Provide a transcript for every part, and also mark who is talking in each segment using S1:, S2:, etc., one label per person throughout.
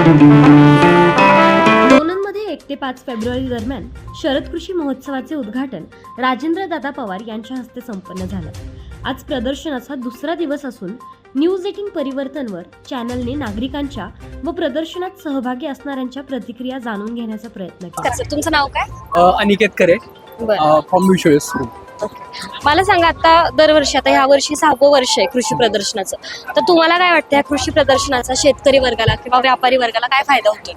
S1: लोणंदमध्ये 1 ते 5 फेब्रुवारी दरम्यान शरद कृषी महोत्सवाचे उद्घाटन राजेंद्रदादा पवार यांच्या हस्ते संपन्न झालं. आज प्रदर्शनाचा दुसरा दिवस असून न्यूज 18 परिवर्तनवर चॅनलने नागरिकांच्या व प्रदर्शनात सहभागी असणाऱ्यांच्या प्रतिक्रिया जाणून घेण्याचा प्रयत्न केला.
S2: तुमचं नाव काय?
S3: अनिकेत करे फ्रॉम विश्वेस.
S2: मला सांगा, आता दरवर्षी, आता ह्या वर्षी 6वं वर्ष आहे कृषी प्रदर्शनाचं, तर तुम्हाला काय वाटतं, या कृषी प्रदर्शनाचा शेतकरी वर्गाला किंवा व्यापारी वर्गाला काय फायदा होतो?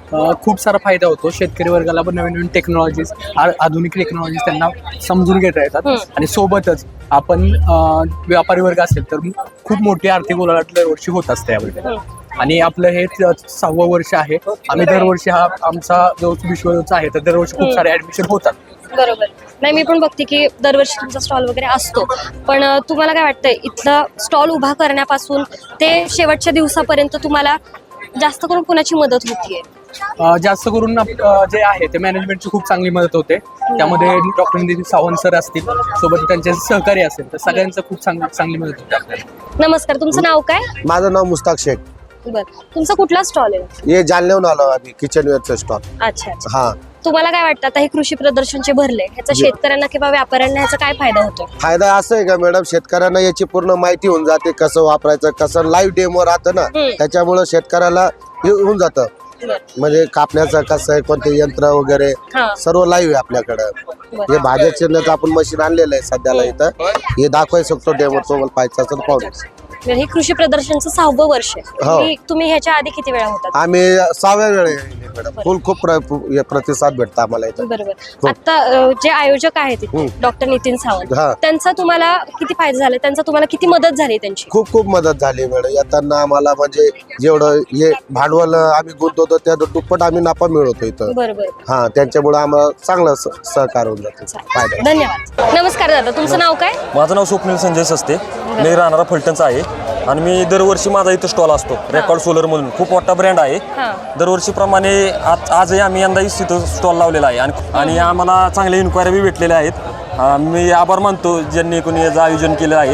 S3: खूप सारा फायदा होतो. शेतकरी वर्गाला पण नवीन नवीन टेक्नॉलॉजीज, आधुनिक टेक्नॉलॉजीज त्यांना समजून घेता येतात. आणि सोबतच आपण व्यापारी वर्ग असेल तर खूप मोठी आर्थिक उलाढाल दरवर्षी होत असते यामध्ये. आणि आपलं हे 6वं वर्ष आहे. आम्ही दरवर्षी हा आमचा जो विश्वचा आहे तर दरवर्षी खूप सारे ऍडमिशन होतात.
S2: बरोबर. नाही, मी पण बघते की दरवर्षी तुमचा स्टॉल वगैरे असतो, पण तुम्हाला काय वाटतंय, इथला स्टॉल उभा करण्यापासून ते शेवटच्या दिवसापर्यंत तुम्हाला जास्त करून कोणाची मदत होतीये?
S3: जास्त करून जे आहे ते मॅनेजमेंटची खूप चांगली मदत होते. त्यामध्ये डॉक्टर नितीन सावंत सर असतील, सोबत त्यांचे सहकारी असेल, तर सगळ्यांचं खूप चांगली मदत होते आपल्याला.
S2: नमस्कार, तुमचं नाव काय?
S4: माझं नाव मुस्ताक शेख.
S2: बर, तुमचा कुठला स्टॉल आहे?
S4: हे जालन्याहून आलो आम्ही, किचनवेअरचं स्टॉल.
S2: अच्छा.
S4: हा,
S2: तुम्हाला काय वाटतं, आता हे कृषी प्रदर्शनचे भरले, ह्याचा शेतकऱ्यांना किंवा व्यापाऱ्यांना ह्याचा काय फायदा होतो?
S4: फायदा असं आहे का मॅडम, शेतकऱ्यांना याची पूर्ण माहिती होऊन जाते, कसं वापरायचं, कसं लाईव्ह डेमो राहतं ना, त्याच्यामुळे शेतकऱ्याला हे होऊन जातं. म्हणजे कापण्याचं कसं आहे, कोणते यंत्र वगैरे सर्व लाईव्ह आहे आपल्याकडं. हे भाज्या चिरण्याचं आपण मशीन आणलेलं आहे सध्याला इथं, हे दाखवाय शकतो डेमो, तुम्हाला पाहायचं असेल पाहून.
S2: हे कृषी प्रदर्शनचं 6वं वर्ष आहे. तुम्ही ह्याच्या आधी किती वेळा होतात?
S4: आम्ही 6व्या वेळेस मॅडम. खूप प्रतिसाद भेटता आम्हाला इथं.
S2: बरोबर. आता जे आयोजक आहेत डॉक्टर नितीन सावंत, त्यांचा तुम्हाला किती फायदा झाला, त्यांचा तुम्हाला किती मदत झाली त्यांची? खूप मदत झाली मॅडम. येताना आम्हाला म्हणजे जेवढं हे भांडवल आम्ही गुंतवतो त्या दुप्पट आम्ही नफा मिळवतो इथं. बरोबर. हा, त्यांच्यामुळे आम्हाला चांगलं सहकार होऊन जातं. फायदा. धन्यवाद. नमस्कार दादा, तुमचं नाव काय?
S5: माझं नाव स्वप्नील संजय सस्ते, मी राहणारा फलटणचा आहे. आणि मी दरवर्षी माझा इथं स्टॉल असतो, रेकॉर्ड सोलर म्हणून खूप मोठा ब्रँड आहे. दरवर्षीप्रमाणे आजही आम्ही यंदा इथं स्टॉल लावलेला आहे. आणि आम्हाला चांगले इन्क्वायरी बी भेटलेल्या आहेत. मी आभार मानतो ज्यांनी कोणी याचं आयोजन केलं आहे.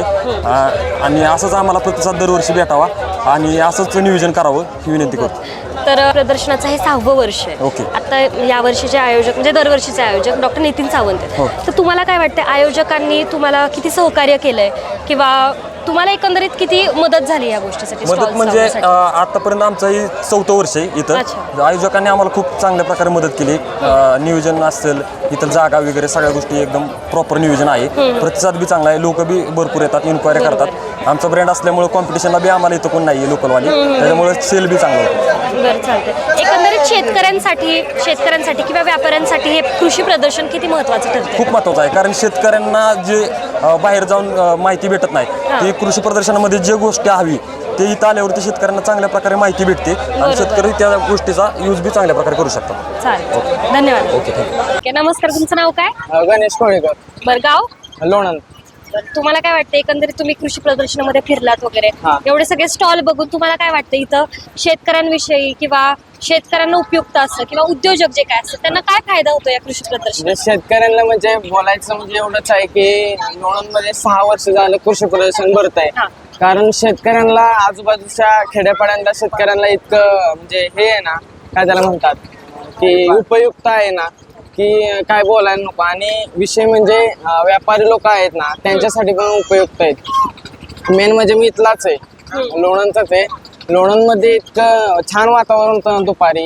S5: आणि असंच आम्हाला प्रतिसाद दरवर्षी भेटावा आणि असंच नियोजन करावं ही विनंती करतो.
S2: तर प्रदर्शनाचं हे 6वं वर्ष आहे.
S5: ओके.
S2: आता या वर्षीचे आयोजक म्हणजे दरवर्षीचे आयोजक डॉक्टर नितीन सावंत आहेत. तर तुम्हाला काय वाटतं, आयोजकांनी तुम्हाला किती सहकार्य केलंय किंवा तुम्हाला एकंदरीत किती मदत झाली या गोष्टीसाठी?
S5: मदत म्हणजे आतापर्यंत आमचं ही 4थं वर्ष आहे इथं. आयोजकांनी आम्हाला खूप चांगल्या प्रकारे मदत केली. नियोजन असेल, इथं जागा वगैरे सगळ्या गोष्टी एकदम प्रॉपर नियोजन आहे. प्रतिसाद बी चांगला आहे, लोक बी भरपूर येतात, इन्क्वायरी करतात. आमचा ब्रँड असल्यामुळे कॉम्पिटिशनला बी आम्हाला इथं कोण नाही लोकलवाली, त्याच्यामुळे सेल बी चांगलं होतं.
S2: बरं, चालतंय. एकंदरीत शेतकऱ्यांसाठी किंवा व्यापाऱ्यांसाठी हे कृषी प्रदर्शन किती महत्त्वाचं ठरतं?
S5: खूप महत्त्वाचं आहे, कारण शेतकऱ्यांना जे बाहेर जाऊन माहिती भेटत नाही, ती कृषी प्रदर्शनामध्ये जे गोष्टी हवी ते इथं आल्यावरती शेतकऱ्यांना चांगल्या प्रकारे माहिती भेटते आणि शेतकरी त्या गोष्टीचा यूज बी चांगल्या प्रकारे करू शकतात.
S2: चालेल, धन्यवाद.
S5: Okay, thank you.
S2: नमस्कार, तुमचं नाव काय?
S3: गणेश कोळेकर,
S2: बरं, गाव?
S3: लोणंद.
S2: तुम्हाला काय वाटतं, एकंदरीत तुम्ही कृषी प्रदर्शनामध्ये फिरलात वगैरे, एवढे सगळे स्टॉल बघून तुम्हाला काय वाटतं, इथं शेतकऱ्यांविषयी किंवा शेतकऱ्यांना उपयुक्त असतं किंवा उद्योजक जे काय असतं त्यांना काय फायदा होतो या कृषी प्रदर्शनात?
S6: शेतकऱ्यांना म्हणजे बोलायचं म्हणजे एवढंच आहे की लोणंदमध्ये 6 वर्ष झालं कृषी प्रदर्शन भरत आहे. कारण शेतकऱ्यांना आजूबाजूच्या खेड्यापाड्यांना शेतकऱ्यांना इतकं म्हणजे हे आहे ना, काय त्याला म्हणतात की उपयुक्त आहे ना, की काय बोलायला नको. आणि विषय म्हणजे व्यापारी लोक आहेत ना, त्यांच्यासाठी पण उपयुक्त आहेत. मेन म्हणजे मी इथलाच आहे, लोणंदचाच आहे. लोणंदमध्ये इतकं छान वातावरण होतं दुपारी.